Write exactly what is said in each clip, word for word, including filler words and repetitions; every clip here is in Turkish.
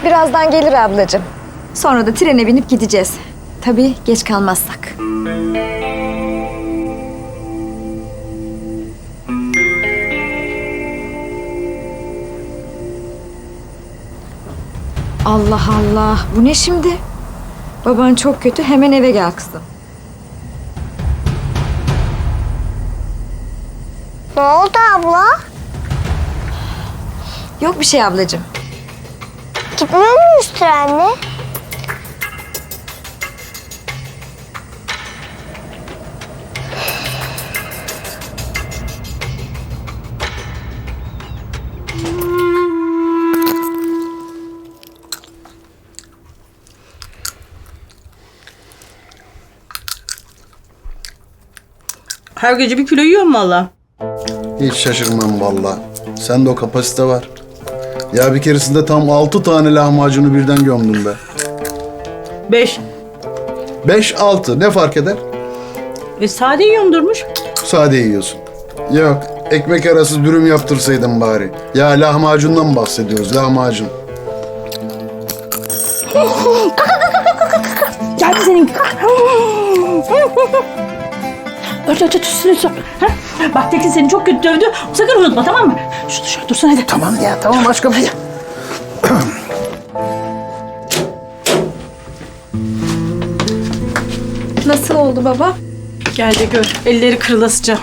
Birazdan gelir ablacığım. Sonra da trene binip gideceğiz. Tabii geç kalmazsak. Allah Allah. Bu ne şimdi? Baban çok kötü. Hemen eve gel kızım. Ne oldu abla? Yok bir şey ablacığım. Gitmiyor muyuz trenle? Her gece bir kilo yiyorum valla. Hiç şaşırmam vallahi. Sende o kapasite var. Ya bir keresinde tam altı tane lahmacunu birden gömdüm be. Beş. Beş, altı ne fark eder? E sade yiyorum Durmuş. Sade yiyorsun. Yok, ekmek arası dürüm yaptırsaydın bari. Ya lahmacundan bahsediyoruz, lahmacun. Geldi senin. Ört ört ört üstüne sor. Ha? Bak Tekin seni çok kötü dövdü. Sakın unutma tamam mı? Şurada şöyle dursun hadi. Tamam ya, tamam aşkım. Hadi. Nasıl oldu baba? Gel de gör. Elleri kırılasıca.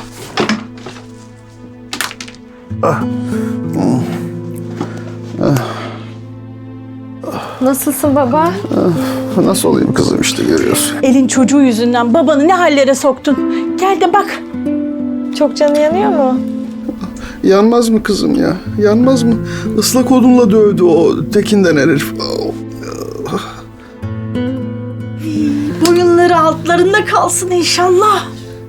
Nasılsın baba? Nasıl olayım kızım işte görüyorsun. Elin çocuğu yüzünden babanı ne hallere soktun. Gel de bak. Çok canı yanıyor mu? Yanmaz mı kızım ya? Yanmaz mı? Islak odunla dövdü o Tekin'den herif. Boyunları altlarında kalsın inşallah.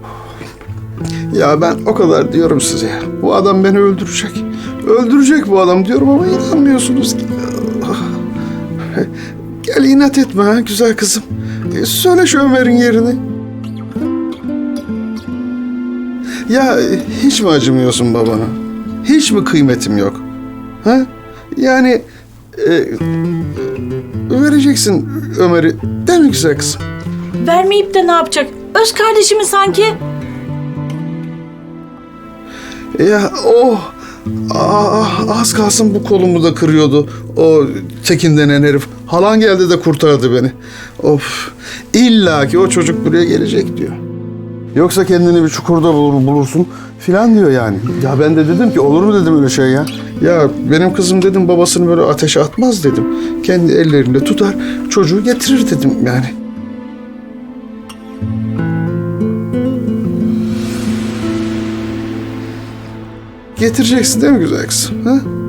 Ya ben o kadar diyorum size ya. Bu adam beni öldürecek. Öldürecek bu adam diyorum ama inanmıyorsunuz ki. Gel inat etme ha güzel kızım. E, Söyle şu Ömer'in yerini. Ya hiç mi acımıyorsun babana? Hiç mi kıymetim yok? Ha? Yani e, vereceksin Ömer'i değil mi güzel kızım? Vermeyip de ne yapacak? Öz kardeşimi sanki. Ya o ah, az kalsın bu kolumu da kırıyordu. O Tekin denen herif. Halan geldi de kurtardı beni. Of. İlla ki o çocuk buraya gelecek diyor. Yoksa kendini bir çukurda bulur, bulursun filan diyor yani. Ya ben de dedim ki olur mu dedim öyle şey ya. Ya benim kızım dedim babasını böyle ateşe atmaz dedim. Kendi ellerinde tutar çocuğu getirir dedim yani. Getireceksin değil mi güzel kızım? Ha?